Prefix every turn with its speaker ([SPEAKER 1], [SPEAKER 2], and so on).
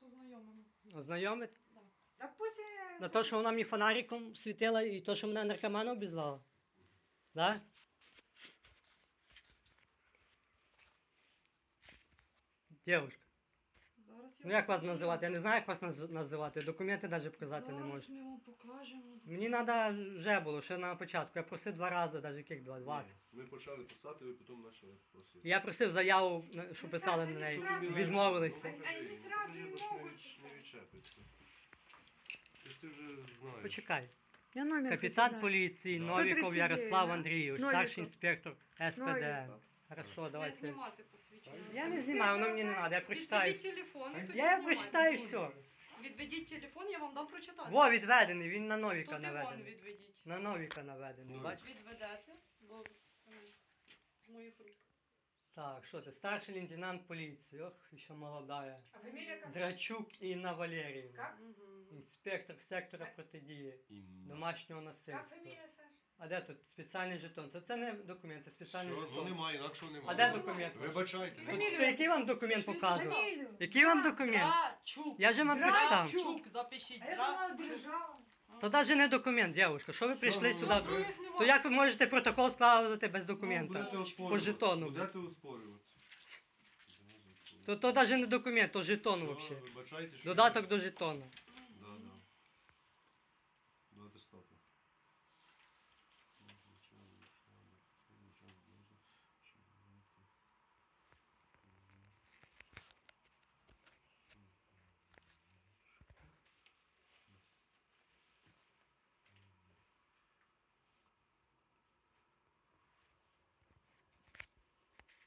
[SPEAKER 1] ознайомимо.
[SPEAKER 2] Ознайомити?
[SPEAKER 3] Так пусть...
[SPEAKER 2] На те, що вона мені фонариком світила і то, що мене наркоманом обізвала? Да? Дівушка,
[SPEAKER 1] Зараз я
[SPEAKER 2] ну як вас
[SPEAKER 1] покажу.
[SPEAKER 2] називати? Я не знаю, як вас називати. Документи навіть показати не
[SPEAKER 1] Зараз
[SPEAKER 2] можу.
[SPEAKER 1] ми вам покажемо.
[SPEAKER 2] Мені треба вже було, ще на початку. Я просив 2 рази, навіть яких 2? 20.
[SPEAKER 4] Ми почали писати, ви потім почали просити.
[SPEAKER 2] Я просив заяву, щоб писали на неї. Відмовилися.
[SPEAKER 3] Они сразу не могут.
[SPEAKER 4] Не відчепиться. Ти вже знаєш.
[SPEAKER 2] Почекай.
[SPEAKER 3] Я номер
[SPEAKER 2] Капітан поліції Новіков
[SPEAKER 3] 139,
[SPEAKER 2] Ярослав
[SPEAKER 3] да?
[SPEAKER 2] Андрійович,
[SPEAKER 3] Новіков.
[SPEAKER 2] старший інспектор СПД.
[SPEAKER 3] Новіков.
[SPEAKER 2] Хорошо, давай.
[SPEAKER 1] Не знімати посвідчення.
[SPEAKER 2] Я не знімаю, воно мені не треба, я прочитаю.
[SPEAKER 1] Відведіть телефон і тоді
[SPEAKER 2] Я
[SPEAKER 1] знімайте.
[SPEAKER 2] прочитаю все.
[SPEAKER 1] Відведіть телефон, я вам дам прочитати.
[SPEAKER 2] Во, відведений, він на Новіка
[SPEAKER 1] Тут і вон
[SPEAKER 2] наведений.
[SPEAKER 1] відведіть.
[SPEAKER 2] На Новіка наведений,
[SPEAKER 4] Ну,
[SPEAKER 2] бачиш?
[SPEAKER 1] Відведете. Добре. З моїх рук.
[SPEAKER 2] Так, що ти, старший лейтенант поліції, ох, ще молодая.
[SPEAKER 3] А фамилия как?
[SPEAKER 2] Драчук Інна Валеріївна.
[SPEAKER 3] Как?
[SPEAKER 1] Мгм.
[SPEAKER 2] Інспектор сектора протидії домашнього
[SPEAKER 3] Как
[SPEAKER 2] насильства.
[SPEAKER 3] фамилия, Саш?
[SPEAKER 2] А де тут спеціальний жетон? Це не документ, це спеціальний
[SPEAKER 4] Що? Ну
[SPEAKER 2] жетон.
[SPEAKER 4] немає, інакшого немає.
[SPEAKER 2] А де документ?
[SPEAKER 4] Вибачайте.
[SPEAKER 2] Тут,
[SPEAKER 4] немає.
[SPEAKER 2] то який вам документ показував?
[SPEAKER 3] Фамилию.
[SPEAKER 2] Який вам документ?
[SPEAKER 1] Драчук.
[SPEAKER 2] Я же вам прочитав.
[SPEAKER 1] Драчук, запишіть.
[SPEAKER 3] А я думала,
[SPEAKER 1] Драчук.
[SPEAKER 3] держала.
[SPEAKER 2] То навіть не документ, дівчинка. Що ви прийшли
[SPEAKER 4] Що,
[SPEAKER 2] сюди?
[SPEAKER 4] ну,
[SPEAKER 1] Других немає.
[SPEAKER 2] То як ви можете протокол складати без документа?
[SPEAKER 4] Будете
[SPEAKER 2] По
[SPEAKER 4] оспорювати.
[SPEAKER 2] жетону.
[SPEAKER 4] Будете оспорювати.
[SPEAKER 2] То навіть не документ, то жетон
[SPEAKER 4] Що,
[SPEAKER 2] взагалі.
[SPEAKER 4] вибачайте, що-
[SPEAKER 2] Додаток до жетону.